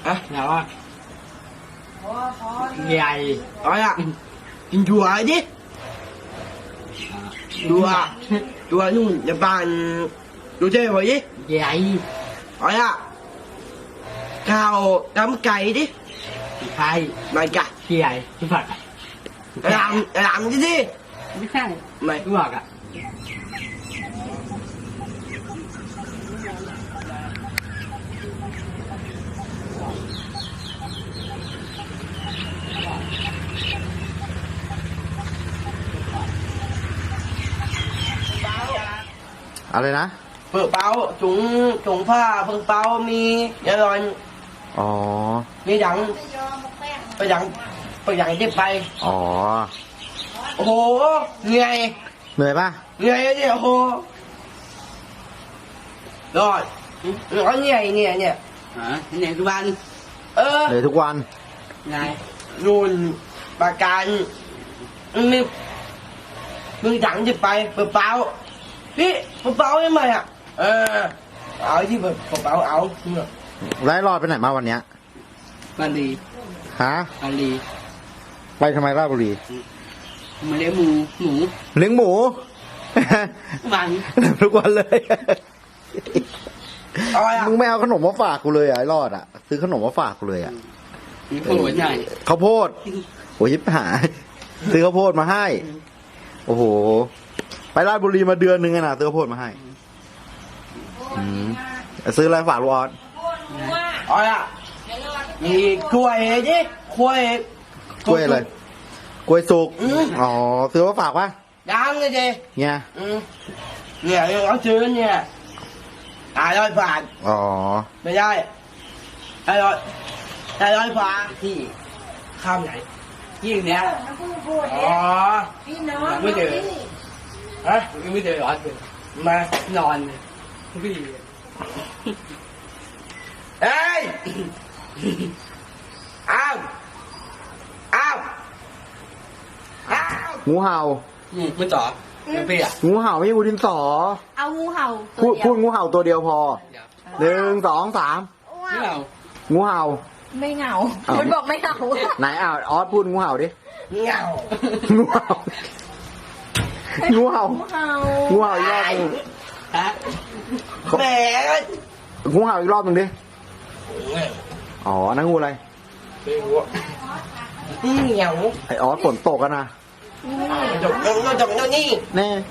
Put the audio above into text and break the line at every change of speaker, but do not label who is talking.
ฮะ
nào á dài
nói ạ kinh chùa ấy chứ chùa nhưng Nhật Bản đồ chơi vậy chứ
dài
nói ạ cào cắm cày đi
hai
mày cả
dài cái phật
làm cái gì
ไม่ใช่
mày
กูบอกอ่ะ
อะไรนะ
เปิดเป้าถุงผ้าเพิ่งเป้ามีเยอะเลย
อ๋อ
มีดังไปดังที่ไป
อ๋อ
โอ้โหเหนื่อย
เหนื่อยป่ะ
เหนื่อยเนี่ยโอ้โหรอดร้อนเหนื่อยเนี่ย
hả cái này của anh
เออ
เหนื่อยทุกวัน
này
นู่นปากการมึงดังจะไปเปิดเป้าพี่เปิดเป้าได้ไหมอ่ะเอาที่เปิดเป้าเอา
ไล่รอดไปไหนมาวันเนี้ย
ba lì
ฮะ
ba lì
ไปทำไมราชบุรี
mà để mù mù
เลี้ยงหมู
vàng
ทุกวันเลย
เอาอ่ะ
มึงไม่เอาขนมมาฝากกูเลยอ่ะไอ้รอดอ่ะ ซื้อขนมมาฝากกูเลยอ่ะ
những con lỗi này
ข้าวโพดโอ้ยยิบหายซื้อข้าวโพดมาให้ โอ้โห ไปราชบุรีมาเดือนนึงอะนะซื้อข้าวโพดมาให้อืมซื้ออะไรฝากลูกออส
เอาอ่ะมีกล้วยดิกล้วย
กล้วยอะไรกล้วยสุก
อืม
อ๋อซื้อมาฝากปะ
ดังเลยดิ
เนี่ย
เนี่ยเขาซื้อเนี่ย100 บาท
อ๋อ
ไม่ได้100 บาทที่ข้ามไหน
riêng nè
อ๋อ
mới được
ฮะ
mới được rồi
มา
nòn cái gì
เอ้ยอ้าว
งูเห่า
mới tỏ cái bia
งูเห่าไม่ใช่งูดินสอ
เอางูเห่า
พูดงูเห่าตัวเดียวพอ 1 2 3
biết không
งูเห่า
ไม่เหงา
อ้าว
มันบอกไม่เหงา
ไหนออสพูดงูเห่าดิ
เหงา
งูเห่างูเห่า
งูเห่า
งูเห่าอีกรอบหนึง
hả
แหม
งูเห่าอีกรอบหนึ่งดิ อ๋อนั่นงูอะไร
เหงา
ไอออสฝนตกกันนะ
จบนี่
แน่